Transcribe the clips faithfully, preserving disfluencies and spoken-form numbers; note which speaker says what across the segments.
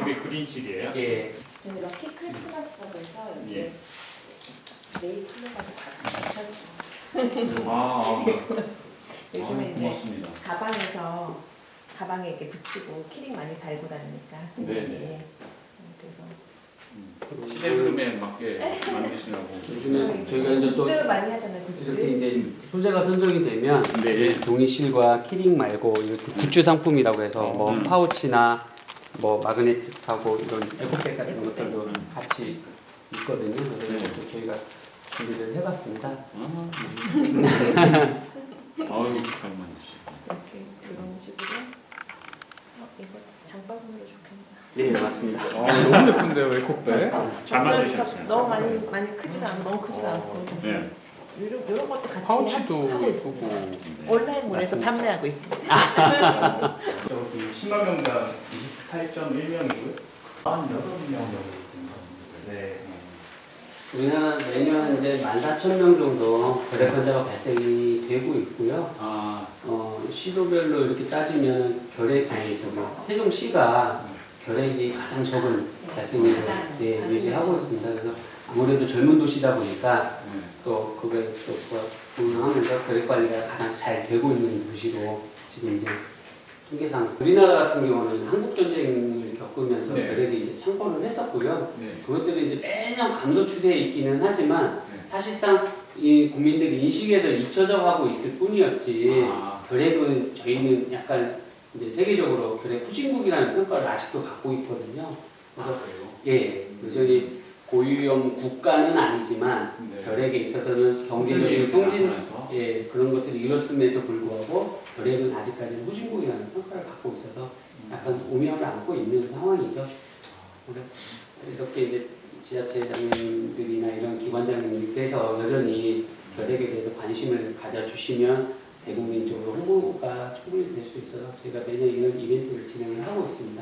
Speaker 1: 그게 그린실이에요?
Speaker 2: 예.
Speaker 3: 저희 럭키 크리스마스라고 해서
Speaker 1: 예.
Speaker 3: 이게 네일 컬러가 붙였어요.
Speaker 1: 아,
Speaker 3: 요즘에
Speaker 1: 아,
Speaker 3: 이제
Speaker 1: 고맙습니다.
Speaker 3: 가방에서 가방에 이렇게 붙이고 키링 많이 달고 다니니까
Speaker 1: 네네.
Speaker 3: 네. 그래서
Speaker 1: 음, 시대 흐름에 맞게 만드시라고.
Speaker 2: 요즘에 저희가 이제 또
Speaker 3: 굿즈 많이 하잖아요. 굿즈.
Speaker 2: 이렇게 이제 소재가 선정이 되면
Speaker 1: 네.
Speaker 2: 종이실과 키링 말고 이렇게 굿즈 상품이라고 해서 뭐
Speaker 1: 음.
Speaker 2: 파우치나 뭐 마그네틱하고 이런 에코백 같은
Speaker 3: 에코백.
Speaker 2: 것들도 같이 있거든요. 그래서
Speaker 1: 네.
Speaker 2: 이것도 저희가 준비를 해봤습니다.
Speaker 1: 아, 아유, 잘 만드시고.
Speaker 3: 이렇게 이런 식으로. 어, 이거 장바구니로 좋겠다.
Speaker 2: 네, 맞습니다.
Speaker 4: 아, 너무 예쁜데요, 에코백?
Speaker 1: 잘 만드셨어요.
Speaker 3: 너무 많이 많이 크지가 않고 너무 크지가 않고
Speaker 1: 네.
Speaker 3: 이런 이런 것도 같이
Speaker 4: 파우치도
Speaker 3: 하- 하고 있습니다.
Speaker 4: 예쁘고.
Speaker 3: 온라인몰에서 판매하고 있습니다.
Speaker 5: 저기 십만 명당 이십팔 점 일 명이고요. 한 여덟 명 정도 된것 같습니다. 네.
Speaker 2: 우리나라 매년 이제 만 사천 명 정도 결핵 환자가 발생이 되고 있고요.
Speaker 1: 아,
Speaker 2: 어, 시도별로 이렇게 따지면 결핵, 아니, 저기, 세종시가 결핵이 가장 적은 발생률을
Speaker 3: 가장
Speaker 2: 예,
Speaker 3: 발생률이
Speaker 2: 유지하고
Speaker 3: 적은.
Speaker 2: 있습니다. 그래서 아무래도 젊은 도시다 보니까
Speaker 1: 네.
Speaker 2: 또 그게 또 부응하면서 결핵 관리가 가장 잘 되고 있는 도시로 지금 이제 통계상 우리나라 같은 경우는 한국 전쟁을 겪으면서
Speaker 1: 네.
Speaker 2: 결핵이 이제 창궐을 했었고요.
Speaker 1: 네.
Speaker 2: 그것들이 이제 매년 감소 추세에 있기는 하지만
Speaker 1: 네.
Speaker 2: 사실상 이 국민들이 인식에서 잊혀져 가고 있을 뿐이었지.
Speaker 1: 아,
Speaker 2: 결핵은 저희는 약간 이제 세계적으로 결핵 후진국이라는 평가를 아직도 갖고 있거든요. 그래서
Speaker 1: 그래요?
Speaker 2: 예, 여전히 고위험 국가는 아니지만
Speaker 1: 네.
Speaker 2: 결핵에 있어서는 경제적인 성진
Speaker 1: 하면서.
Speaker 2: 예, 그런 것들이 이뤘음에도 불구하고 결핵은 아직까지는 후진국이라는 평가를 갖고 있어서 약간 오명을 안고 있는 상황이죠. 그래서 이렇게 이제 지자체장님들이나 이런 기관장님들께서 여전히 결핵에 대해서 관심을 가져주시면 대국민적으로 홍보가 충분히 될 수 있어서 저희가 매년 이런 이벤트를 진행을 하고 있습니다.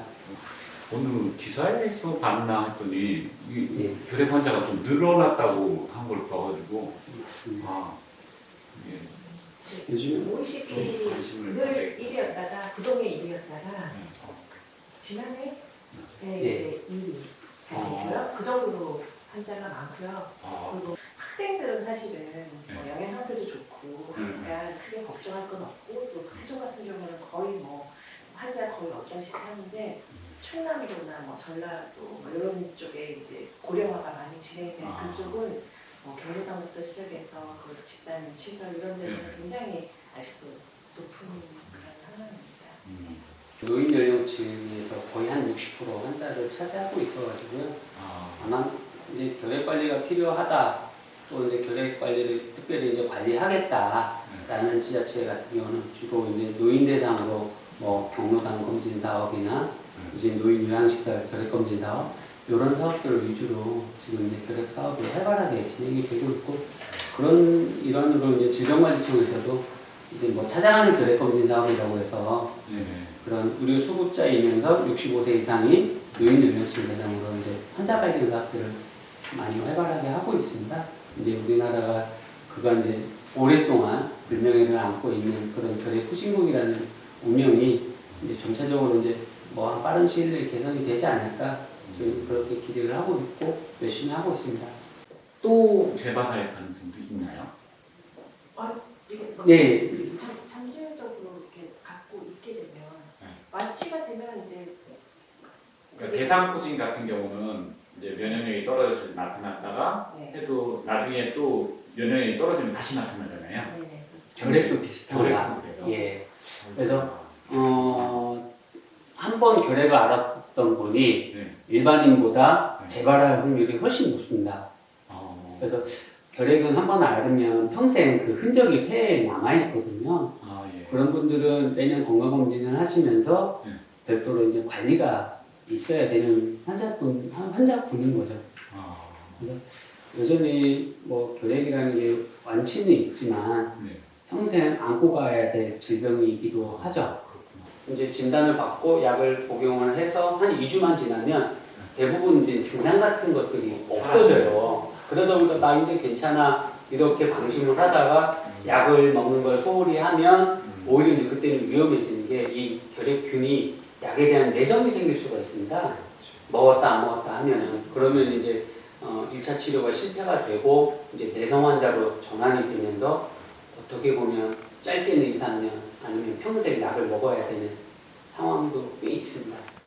Speaker 1: 오늘 기사에서 봤나 했더니 이
Speaker 2: 예.
Speaker 1: 결핵 환자가 좀 늘어났다고 한 걸 봐가지고
Speaker 2: 음.
Speaker 1: 아, 예.
Speaker 2: 요즘
Speaker 1: 좀
Speaker 3: 오이시피
Speaker 1: 관심을
Speaker 3: 늘
Speaker 1: 가져야겠다.
Speaker 3: 일 위였다가 구동에 일 위였다가
Speaker 1: 네.
Speaker 3: 지난해 네,
Speaker 2: 예.
Speaker 3: 이제 이 위 되고요. 그 정도로 환자가 많고요.
Speaker 1: 아,
Speaker 3: 그리고 학생들은 사실은 뭐
Speaker 1: 네.
Speaker 3: 영양 상태도 좋고
Speaker 1: 음.
Speaker 3: 그러니까 크게 걱정할 건 없고 또 세종 같은 경우는 거의 뭐 환자 거의 없다시피 하는데 충남도나 뭐 전라도 뭐 이런 쪽에 이제 고령화가 많이 진행된
Speaker 1: 아.
Speaker 3: 그쪽은 뭐 경로당부터 시작해서 그 집단 시설 이런 데서는
Speaker 1: 네.
Speaker 3: 굉장히 아직도 높은 그런 상황입니다.
Speaker 1: 음.
Speaker 2: 노인 연령층에서 거의 한 육십 퍼센트 환자를 차지하고 있어가지고요.
Speaker 1: 아,
Speaker 2: 아마 이제 결핵 관리가 필요하다, 또 이제 결핵 관리를 특별히 이제 관리하겠다라는 지자체 같은 경우는 주로 이제 노인 대상으로 뭐 경로당 검진 사업이나 이제 노인 요양시설 결핵 검진 사업 이런 사업들을 위주로 지금 이제 결핵 사업이 활발하게 진행이 되고 있고 그런 일환으로 이제 질병관리청에서도 이제 뭐 찾아가는 결핵 검진 사업이라고 해서
Speaker 1: 네.
Speaker 2: 그런 의료 수급자이면서 육십오 세 이상인 노인 연령층 대상으로 이제 환자 발견 사업들을 많이 활발하게 하고 있습니다. 이제 우리나라가 그간 이제 오랫동안 불명예를 안고 있는 그런 결핵 후진국이라는 운명이 이제 점차적으로 이제 뭐 한 빠른 시일 내에 개선이 되지 않을까 저희 그렇게 기대를 하고 있고 열심히 하고 있습니다.
Speaker 1: 또 재발할 가능성도 있나요?
Speaker 3: 아, 이게 뭐
Speaker 2: 네,
Speaker 3: 참, 잠재적으로 이렇게 갖고 있게 되면
Speaker 1: 네.
Speaker 3: 완치가 되면 이제
Speaker 1: 그러니까 대상포진 같은 경우는 이제 면역력이 떨어져서 나타났다가
Speaker 3: 네.
Speaker 1: 해도 나중에 또 면역력이 떨어지면 다시 나타나잖아요.
Speaker 3: 네네
Speaker 2: 결핵도 비슷합니다.
Speaker 1: 결핵도 그래요?
Speaker 2: 예. 그래서 어, 한 번 결핵을 알았던 분이
Speaker 1: 네.
Speaker 2: 일반인보다
Speaker 1: 네.
Speaker 2: 재발할 확률이 훨씬 높습니다.
Speaker 1: 어,
Speaker 2: 그래서 결핵은 한 번 앓으면 평생 그 흔적이 폐에 남아있거든요.
Speaker 1: 아, 예.
Speaker 2: 그런 분들은 매년 건강검진을 하시면서
Speaker 1: 네.
Speaker 2: 별도로 이제 관리가 있어야 되는 환자분, 환자분인 거죠.
Speaker 1: 아,
Speaker 2: 그래서 여전히 뭐 결핵이라는 게 완치는 있지만
Speaker 1: 네.
Speaker 2: 평생 안고 가야 될 질병이기도 하죠.
Speaker 1: 그렇구나.
Speaker 2: 이제 진단을 받고 약을 복용을 해서 한 이 주만 지나면 대부분 이제 증상 같은 것들이 없어져요. 그러다 보니까 나 이제 괜찮아 이렇게 방심을 하다가 약을 먹는 걸 소홀히 하면
Speaker 1: 음.
Speaker 2: 오히려 이제 그때는 위험해지는 게 이 결핵균이 약에 대한 내성이 생길 수가 있습니다. 먹었다 안 먹었다 하면은 그러면 이제 어, 일 차 치료가 실패가 되고 이제 내성 환자로 전환이 되면서 어떻게 보면 짧게는 이, 삼 년 아니면 평생 약을 먹어야 되는 상황도 꽤 있습니다.